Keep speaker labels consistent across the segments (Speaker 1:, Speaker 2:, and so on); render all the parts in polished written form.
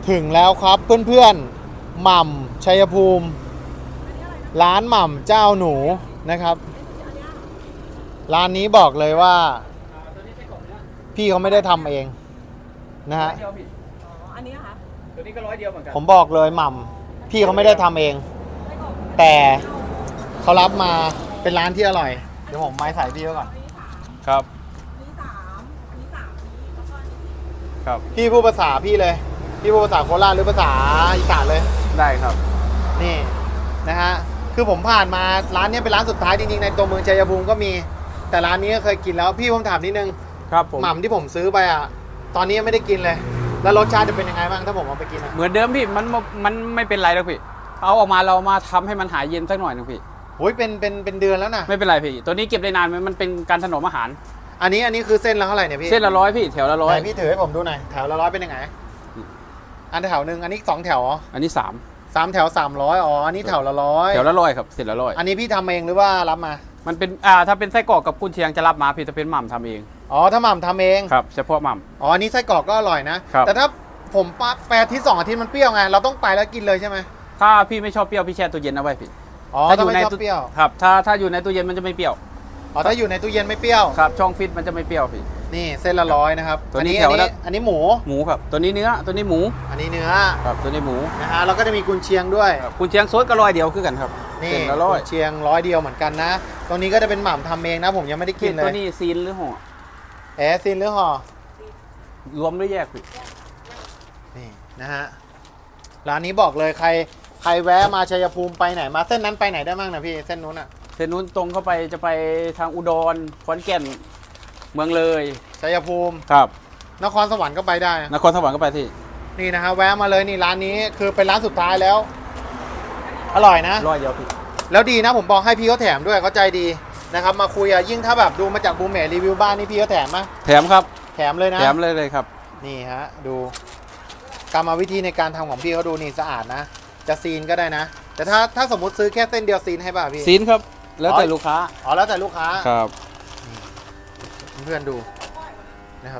Speaker 1: ถึงแล้วครับเพื่อนๆหม่ำชัยภูมิร้านหม่ำเจ้าหนูนะครับร้านนี้บอกเลยว่าพี่เขาไม่ได้ทำเองนะฮะ
Speaker 2: อันนี้ค่ะ
Speaker 3: ตัวนี้ก็100 เดียวเหมือนกัน
Speaker 1: ผมบอกเลยหม่ำพี่เขาไม่ได้ทำเอง แต่เขารับมาเป็นร้านที่อร่อยเดี๋ยวผมไม้ใส่พี่ไว้ก่อน
Speaker 3: ครับ
Speaker 2: อันนี้3อันนี้3แล้วก็อันนี้4
Speaker 3: ครับ
Speaker 1: พี่พูดภาษาพี่เลยพี่พูดภาษาโคราชหรือภาษาอีสานเลย
Speaker 3: ได้ครับ
Speaker 1: นี่นะฮะคือผมผ่านมาร้านนี้เป็นร้านสุดท้ายจริงๆในตัวเมืองชัยภูมิก็มีแต่ร้านนี้ก็เคยกินแล้วพี่ผมถามนิดนึง
Speaker 3: ครับผม
Speaker 1: หม่ำที่ผมซื้อไปอ่ะตอนนี้ยังไม่ได้กินเลย แล้วรสชาติจะเป็นยังไงบ้างถ้าผมเอาไปกินอ่ะ
Speaker 3: เหมือนเดิมพี่มันไม่เป็นไรแล้วพี่เอาออกมาเรามาทำให้มันหายเย็นสักหน่อยนึงพี่
Speaker 1: โอ้ยเป็นเดือนแล้วนะ
Speaker 3: ไม่เป็นไรพี่ตัวนี้เก็บได้นานมันเป็นการถนอมอาหาร
Speaker 1: อันนี้คือเส้นละเท่าไหร่เนี่ยพี่
Speaker 3: เส้นละ100พี่แถวละ
Speaker 1: ไหนพี่ถือให้ผมดูหน่อยแถวละ100เป็นยังไงอันแถวหนึ่งอันนี้2แถวอ๋อ
Speaker 3: 100อันนี้
Speaker 1: 3แถว300อ๋ออันนี้แถวละ100
Speaker 3: 3แถวละ100ครับเส้นละ100
Speaker 1: อันนี้พี่ทำเองหรือว่ารับมา
Speaker 3: มันเป็นถ้าเป็นไส้กรอกกับกุนเชียงจะรับมาพี่จะเป็นหม่ำทำเอง
Speaker 1: อ๋อถ้าหม่ำทำเอง
Speaker 3: ครับเฉพาะหม่
Speaker 1: อ๋ออันนี้ไส้กรอกก็อร่อยนะครับ แต่ถ้าผมไปอาทิตย์2 อาทิตย์มันเปรี้ยวไงเราต้องไปแล้วกินเลยใช่ไหม
Speaker 3: ำถ้าพี่ไม่ชอบเปรี้ยวพี่แช่ตู้เย็นเอาไว้พี่
Speaker 1: อ๋อถ้าไม่ชอบเปรี้ยว
Speaker 3: ครับถ้าอยู่ในตู้เย็นมันจะไม่เปรี้ยว
Speaker 1: อ๋อถ้าอยู่ในตู้เย็นไม่เปรี้ยว
Speaker 3: ครับช่องฟิตมันจะไม่เปรี้ยวพี่
Speaker 1: นี่เส้นละ100นะครับ
Speaker 3: ตัวนี้
Speaker 1: อั
Speaker 3: แถวละ
Speaker 1: อันนี้หมู
Speaker 3: หมูครับตัวนี้เนื้อตัวนี้หมู
Speaker 1: อันนี้เนื้อ
Speaker 3: ครับตัวนี้หมู
Speaker 1: นะฮะแล้วก็จะมีกุนเชียงด้วย
Speaker 3: ครับกุนเชียงซดก็100 เดียวคือกันครับ
Speaker 1: นี่
Speaker 3: เส้นละ
Speaker 1: กุนเชียง100 เดียวเหมือนกันนะตรงนี้ก็จะเป็นหม่ำทำเองนะผมยังไม่ได้
Speaker 3: 100
Speaker 1: กินเล
Speaker 3: ตัวย นี้ซีนหรือห่อ
Speaker 1: ซินหรือห่อ
Speaker 3: รวมหรือแยกพี่
Speaker 1: นี่นะฮะร้านนี้บอกเลยใครแวะมาชัยภูมิไปไหนมาเส้นนั้นไปไหนได้บ้างนะพี่เส้นนู้นอ่ะ
Speaker 3: เส้นนู้นตรงเข้าไปจะไปทางอุดรขอนแก่นเมืองเลย
Speaker 1: ชัยภูมิ
Speaker 3: ครับ
Speaker 1: นครสวรรค์ก็ไปได้นะ
Speaker 3: นครสวรรค์ก็ไปที่
Speaker 1: นี่นะฮะแวะมาเลยนี่ร้านนี้คือเป็นร้านสุดท้ายแล้ว อร่อยนะ
Speaker 3: 100 เดียวพี่
Speaker 1: แล้วดีนะผมบอกให้พี่เขาแถมด้วยเขาใจดีนะครับมาคุยอะยิ่งถ้าแบบดูมาจากบูมเมทรีวิวบ้านนี่พี่เขาแถมไหม
Speaker 3: แถมครับ
Speaker 1: แถมเลยนะ
Speaker 3: แถมเลยครับ
Speaker 1: นี่ฮะดูกรรมวิธีในการทำของพี่เขาดูนี่สะอาดนะ จะซีนก็ได้นะ แต่ถ้าสมมติซื้อแค่เส้นเดียวซีนให้ป่ะพี่
Speaker 3: ซีนครับแล้วแต่ลูกค้า
Speaker 1: อ๋อแล้วแต่ลูกค้า
Speaker 3: ครับ
Speaker 1: เพื่อนๆดูนะครับ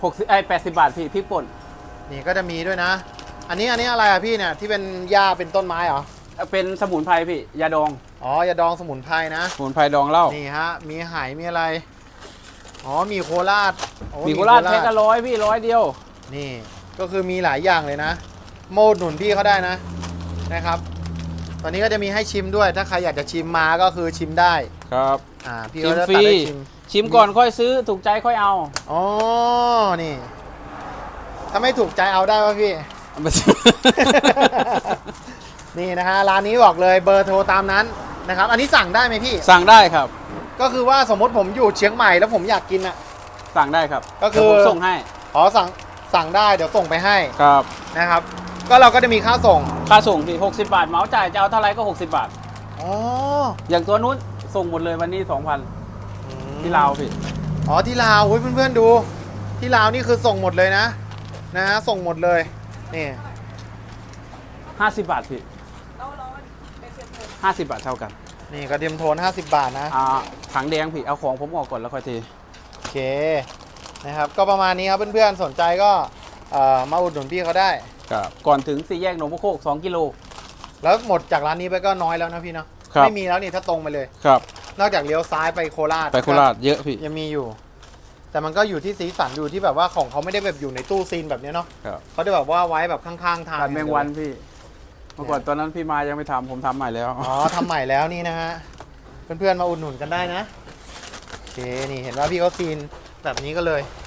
Speaker 3: 80 บาทพี่พริกป่น
Speaker 1: นี่ก็จะมีด้วยนะ อันนี้อะไรอะพี่เนี่ยที่เป็นหญ้าเป็นต้นไม้เหรอ
Speaker 3: เป็นสมุนไพรพี่ยาดอง
Speaker 1: อ๋อยาดองสมุนไพรนะ
Speaker 3: สมุนไพรดองเหล้า
Speaker 1: นี่ฮะมีไหมีอะไรอ๋อมีโคราชโอ้
Speaker 3: มีโคราชแพ็คละ100พี่100 เดียว
Speaker 1: นี่ก็คือมีหลายอย่างเลยนะโมดหนุนพี่เขาได้นะครับ ตอนนี้ก็จะมีให้ชิมด้วย ถ้าใครอยากจะชิมมาก็คือชิมได้
Speaker 3: ครับ
Speaker 1: พี่
Speaker 3: ชิ
Speaker 1: เขา
Speaker 3: ม
Speaker 1: จะ
Speaker 3: ฟ
Speaker 1: ตัด
Speaker 3: รี
Speaker 1: ให้ชิม
Speaker 3: ชิมก่อนค่อยซื้อถูกใจค่อยเอา
Speaker 1: อ๋อนี่ถ้าไม่ถูกใจเอาได้ป่ะพี่
Speaker 3: เอาไปซื้อ
Speaker 1: นี่นะฮะร้านนี้บอกเลยเบอร์โทรตามนั้นนะครับ อันนี้สั่งได้ไหมพี่
Speaker 3: สั่งได้ครับ
Speaker 1: ก็คือว่าสมมติผมอยู่เชียงใหม่แล้วผมอยากกินอ่ะ
Speaker 3: สั่งได้ครับ
Speaker 1: ก็คือ
Speaker 3: เดี๋ยวผมส่งให้
Speaker 1: อ๋อสั่งได้เดี๋ยวส่งไปให้
Speaker 3: ครับ
Speaker 1: นะครับ ก็เราก็จะมีค่าส่ง
Speaker 3: ค่าส่งพี่60 บาทเหมาจ่ายจะเอาเท่าไรก็60 บาท
Speaker 1: อ๋อ
Speaker 3: อย่างตัวนู้นส่งหมดเลยวันนี้ 2,000ที่ลาวพี่
Speaker 1: อ๋อที่ลาวเฮ้ยเพื่อนๆดู ที่ลาวนี่คือส่งหมดเลยนะฮะส่งหมดเลยนี่
Speaker 3: 50 บาทพี่
Speaker 2: แล้วเป็นเสียบผม
Speaker 3: 50 บาทเท่ากัน
Speaker 1: นี่กระเทียมโทน50 บาทนะ
Speaker 3: ถังแดงพี่เอาของผมออกก่อนแล้วค่อยเท
Speaker 1: โอเคนะครับก็ประมาณนี้ครับเพื่อนๆสนใจก็มาอุดหนุนพี่เขาได้
Speaker 3: ครับก่อนถึง4 แยกหนองมะโคก2 กิโล
Speaker 1: แล้วหมดจากร้านนี้ไปก็น้อยแล้วนะพี่เนาะ
Speaker 3: ครับ
Speaker 1: ไม่มีแล้วนี่ถ้าตรงไปเลย
Speaker 3: ครับ
Speaker 1: นอกจากเลี้ยวซ้ายไปโคราช
Speaker 3: ไปโคราชเยอะพี่
Speaker 1: ยังมีอยู่ แต่มันก็อยู่ที่สีสันอยู่ที่แบบว่าของเขาไม่ได้แบบอยู่ในตู้ซีนแบบนี้เนาะ
Speaker 3: ครับ
Speaker 1: เขาจะแบบว่าไว้แบบข้างๆทาง
Speaker 3: การแมงวันพี่เมื่อก่อนตอนนั้นพี่มายังไม่ทำผมทำใหม่แล้ว
Speaker 1: อ๋อทำใหม่แล้วนี่นะฮะเพื่อนๆมาอุดหนุนกันได้นะโอเคนี่เห็นว่าพี่เขาซีนแบบนี้ก็เลย